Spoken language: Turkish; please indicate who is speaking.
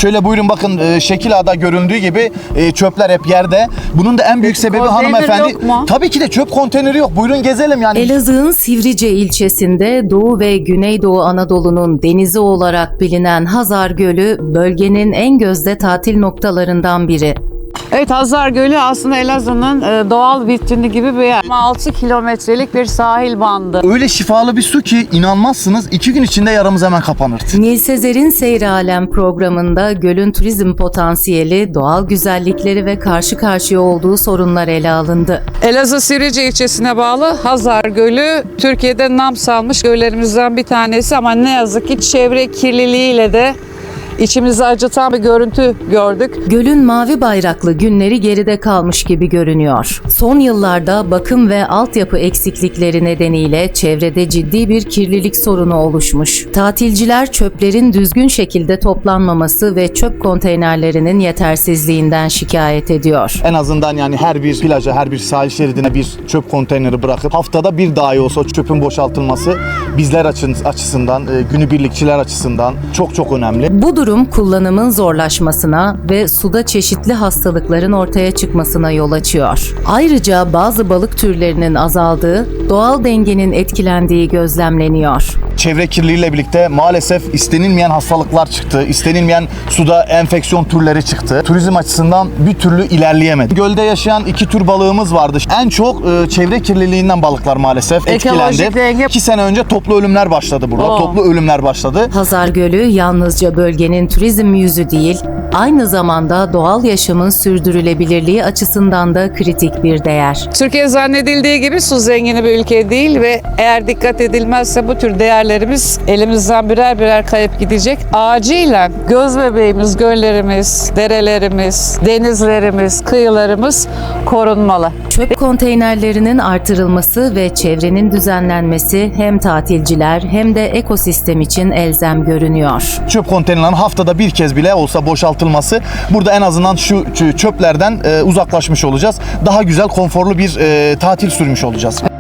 Speaker 1: Şöyle buyurun bakın, şekil A'da görüldüğü gibi çöpler hep yerde. Bunun da en büyük sebebi
Speaker 2: konteyner
Speaker 1: hanımefendi.
Speaker 2: yok mu?
Speaker 1: Tabii ki de çöp konteyneri yok. Buyurun gezelim yani.
Speaker 3: Elazığ'ın Sivrice ilçesinde Doğu ve Güneydoğu Anadolu'nun denizi olarak bilinen Hazar Gölü, bölgenin en gözde tatil noktalarından biri.
Speaker 2: Evet, Hazar Gölü aslında Elazığ'ın doğal vitrini gibi bir yer. 6 kilometrelik bir sahil bandı.
Speaker 1: Öyle şifalı bir su ki inanmazsınız, 2 gün içinde yaramız hemen kapanırdı.
Speaker 3: Nil Sezer'in Seyri Alem programında gölün turizm potansiyeli, doğal güzellikleri ve karşı karşıya olduğu sorunlar ele alındı.
Speaker 2: Elazığ Sivrice ilçesine bağlı Hazar Gölü Türkiye'de nam salmış göllerimizden bir tanesi ama ne yazık ki çevre kirliliğiyle de içimizi acıtan bir görüntü gördük.
Speaker 3: Gölün mavi bayraklı günleri geride kalmış gibi görünüyor. Son yıllarda bakım ve altyapı eksiklikleri nedeniyle çevrede ciddi bir kirlilik sorunu oluşmuş. Tatilciler çöplerin düzgün şekilde toplanmaması ve çöp konteynerlerinin yetersizliğinden şikayet ediyor.
Speaker 1: En azından yani her bir plaja, her bir sahil şeridine bir çöp konteyneri bırakıp haftada bir dahi olsa o çöpün boşaltılması bizler açısından, günübirlikçiler açısından çok önemli.
Speaker 3: Bu durum kullanımın zorlaşmasına ve suda çeşitli hastalıkların ortaya çıkmasına yol açıyor. Ayrıca bazı balık türlerinin azaldığı, doğal dengenin etkilendiği gözlemleniyor.
Speaker 1: Çevre kirliliğiyle birlikte maalesef istenilmeyen hastalıklar çıktı. İstenilmeyen suda enfeksiyon türleri çıktı. Turizm açısından bir türlü ilerleyemedi. Gölde yaşayan 2 tür balığımız vardı. En çok çevre kirliliğinden balıklar maalesef
Speaker 2: Ekolojik
Speaker 1: etkilendi.
Speaker 2: denge-
Speaker 1: 2 sene önce toplu ölümler başladı burada.
Speaker 2: Oo.
Speaker 1: Toplu ölümler başladı.
Speaker 3: Hazar Gölü yalnızca bölgenin turizm yüzü değil, aynı zamanda doğal yaşamın sürdürülebilirliği açısından da kritik bir değer.
Speaker 2: Türkiye zannedildiği gibi su zengini bir ülke değil ve eğer dikkat edilmezse bu tür değerlerimiz elimizden birer birer kayıp gidecek. Acilen göz bebeğimiz, göllerimiz, derelerimiz, denizlerimiz, kıyılarımız korunmalı.
Speaker 3: Çöp konteynerlerinin artırılması ve çevrenin düzenlenmesi hem tatilciler hem de ekosistem için elzem görünüyor.
Speaker 1: Çöp konteynerlerinin haftada bir kez bile olsa boşaltılması, burada en azından şu çöplerden uzaklaşmış olacağız. Daha güzel, konforlu bir tatil sürmüş olacağız.